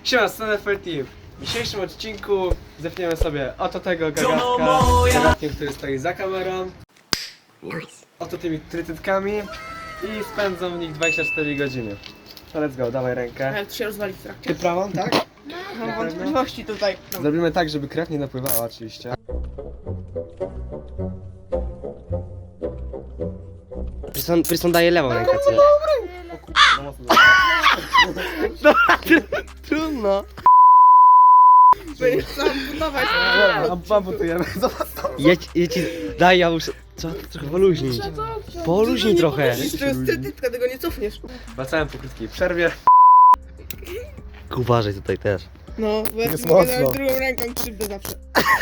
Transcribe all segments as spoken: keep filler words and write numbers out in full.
Siema, Stanford Team. W dzisiejszym odcinku zepniemy sobie oto tego gagatka, gagatkiem, który stoi za kamerą, oto tymi trytytkami i spędzą w nich dwadzieścia cztery godziny. To let's go, dawaj rękę. Ale to się rozwali w trakcie. Ty prawą, tak? Mam wątpliwości tutaj. Zrobimy tak, żeby krew nie napływała oczywiście. Prison, Prison daje lewą rękę, co? Trudno. Będziesz sam budować. Amputujemy, zobacz to. Jedź, jedź, daj, ja muszę... Trzeba trochę poluźnić. Poluźnij trochę. To jest trytytka, tego nie cofniesz. Wracałem po krótkiej przerwie. Uważaj tutaj też. No, bo ja Jest ci mogę mocno. nawet drugą ręką krzywdę zawsze.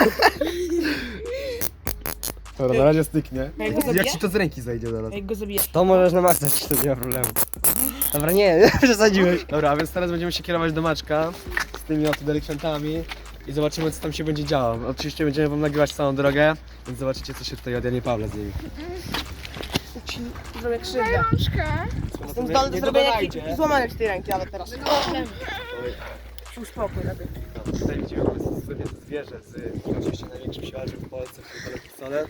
Dobra, na razie styknie. A jak go zabijesz? Jak ci to z ręki zajdzie zaraz. A jak go zabijesz? To możesz namacać, to nie ma problemu. Dobra, nie, przesadziłeś. Dobra, a więc teraz będziemy się kierować do Maczka z tymi oto delikwentami i zobaczymy, co tam się będzie działo. Oczywiście będziemy wam nagrywać całą drogę, więc zobaczycie, co się tutaj od Janie Pawła z nimi. Ci zrobię krzywdę. Jestem zdolny do zrobienia i złamania ci tej ręki, ale teraz. Uspokój lepiej. No, tutaj widzimy sobie zwierzę z oczywiście największym siłaczem w Polsce, który pistolet.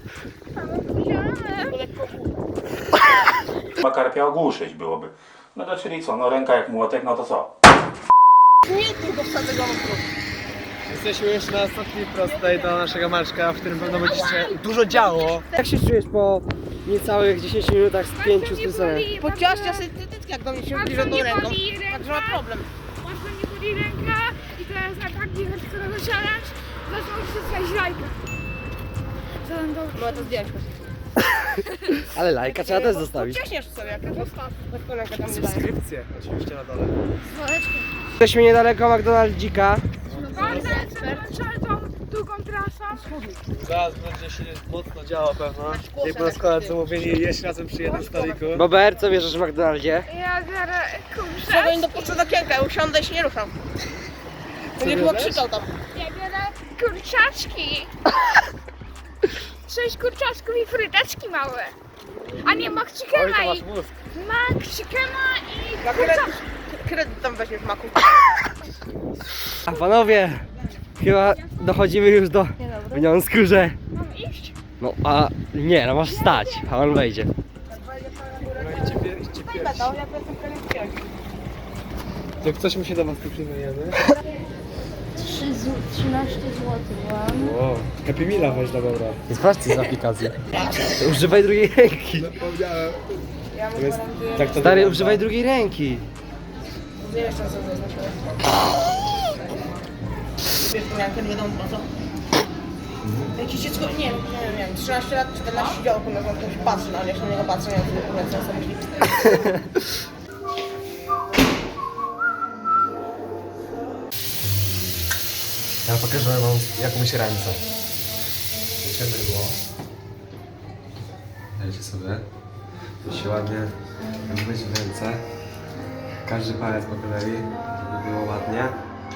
Chyba karpia ogłuszyć byłoby. No to czyli co, no ręka jak młotek, no to co? Nie, tylko wsadzę go w brzuch. Jesteśmy już na ostatniej prostej do naszego Maczka, w którym pewno będzie się dużo działo. Jak się czujesz po niecałych dziesięciu minutach z pięciu z Prisonem? Podciążcia sobie trytytkę, jak do mnie się zbliża tą ręką. Także ma problem. Łatwo nie boli ręka i teraz na taki hardcore challenge zaczął się trzeć lajka. Co tam do... No to zdjęć. Ale lajka trzeba też zostawić. Ciśniesz sobie, jak zostaw. Taką rękę tam nie daję. Subskrypcje oczywiście na dole. Jesteśmy niedaleko McDonaldzika. Bardzo trzeba tą długą trasą. Zaraz będzie się mocno działo pewno. Jak po nas koledzy mówili, jeść razem przy jednym stoliku. Bober, co bierzesz w McDonaldzie? Ja biorę Trzeba kurczę. nie dopuszczę do okienka, ja usiądę i się nie ruszam. Co Nie chyba bierzesz? krzyczał tam. Ja biorę kurczaczki. Sześć kurczaczków i fryteczki małe. A nie Oj, to McChickena masz i... mózg. McChickena i Na kurczaczki. kredyt, kredyt tam weźmiesz w maku. A panowie, chyba dochodzimy już do wniosku, że... Mam iść? No a nie, no masz stać, a on wejdzie. No idźcie, pier- idźcie pierwsi. Metał, ja jestem kredyt. Jak coś mu się do was tu przyjmujemy. trzynaście złotych mam. O, Happy Meala weź do dobra. Sprawdź z aplikacji. Używaj drugiej ręki. Zapomniałem. Ja mu To jest, gwarantuję. tak to Stary, wygląda. używaj drugiej ręki. Nie jeszcze raz zaznaczyłem. Wiesz, to miałem kiedy wiadomo po co. Jakieś dziecko, nie wiem, nie wiem, miałem trzynaście lat, czternaście działo, na to się patrzy, no ale jak się na niego patrzę, nie wiem, co sobie myśli. Ja pokażę wam, jak umyć ręce. Wiecie, było. Dajcie sobie. To się ładnie myć w ręce. Każdy palec po kolei, żeby było ładnie.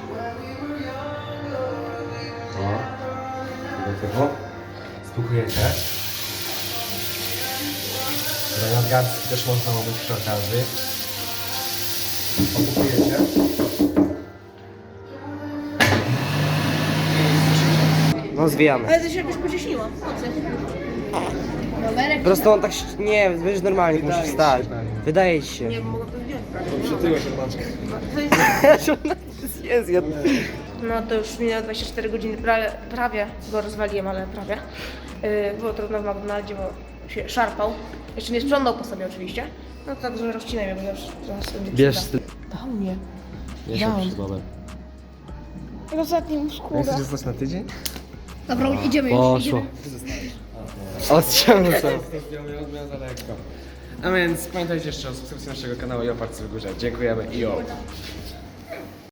O. Tego typu. Spłukujecie. Tutaj nadgarstki też można umyć przy okazji. Opłukujecie. No zwijamy. Ale to się jakoś pocieśniło. Po prostu on tak... się- Nie, będziesz normalnie, musisz Wydaje wstać. się, tak. Wydaje ci się. Nie, bo mogę to zdjąć. Przytyłeś od Maczka. To jest... Jest, jest. No to już minęło dwadzieścia cztery godziny, prawie, prawie go rozwaliłem, ale prawie. Yy, było trudno w McDonaldzie, bo się szarpał. Jeszcze nie sprzątał po sobie oczywiście. No także rozcinaj mnie, bo już zaraz będzie Bierz przyda. Dał mnie. Nie Dał. się przed W ostatnim skórę. Chcesz zostać na tydzień? Dobra, idziemy już. Poszło. Odciągnął sobie. Miał za lekko. A więc pamiętajcie jeszcze o subskrypcji naszego kanału i o partii w górze. Dziękujemy i o.